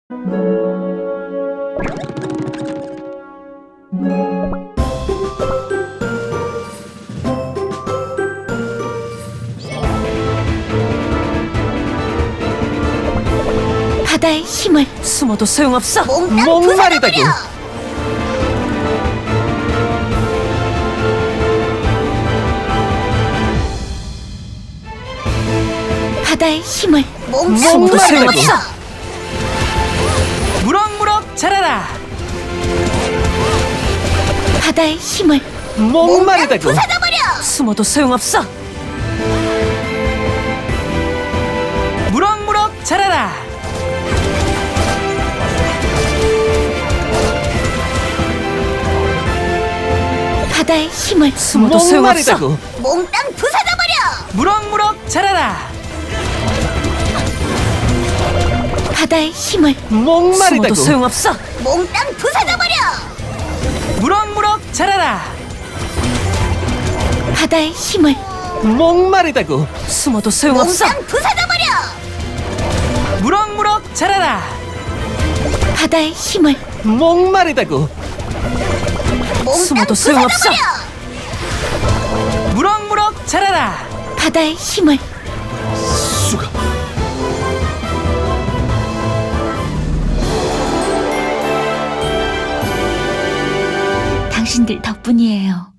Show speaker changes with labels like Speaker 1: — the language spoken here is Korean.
Speaker 1: 바다의 힘을
Speaker 2: 숨어도 소용없어.
Speaker 1: 몽땅
Speaker 3: 목마르다고.
Speaker 1: 부숴버려! 바다의 힘을 몽땅
Speaker 2: 숨어도
Speaker 3: 목마르다고.
Speaker 2: 소용없어. 무럭무럭 자라라.
Speaker 1: 바다의 힘을
Speaker 3: 목마르다고.
Speaker 1: 부숴버려!
Speaker 2: 숨어도 소용없어. 무럭무럭 자라라.
Speaker 1: 바다의 힘을
Speaker 2: 숨어도 소용없어.
Speaker 3: 목마르다고.
Speaker 1: 몽땅 부숴버려!
Speaker 2: 무럭무럭 자라라.
Speaker 1: 바다의 힘을
Speaker 3: 목마르다고.
Speaker 2: 숨어도 소용없어.
Speaker 1: 몽땅 부숴버려!
Speaker 2: 무럭무럭 자라라.
Speaker 1: 바다의 힘을
Speaker 3: 목마르다고.
Speaker 2: 숨어도 소용없어.
Speaker 1: 몽땅 부숴버려!
Speaker 2: 무럭무럭 자라라.
Speaker 1: 바다의 힘을
Speaker 3: 목마르다고.
Speaker 1: 몽땅
Speaker 2: 숨어도 소용없어.
Speaker 1: 부숴버려!
Speaker 2: 무럭무럭 자라라.
Speaker 1: 바다의 힘을
Speaker 3: 수가.
Speaker 1: 당신들 덕분이에요.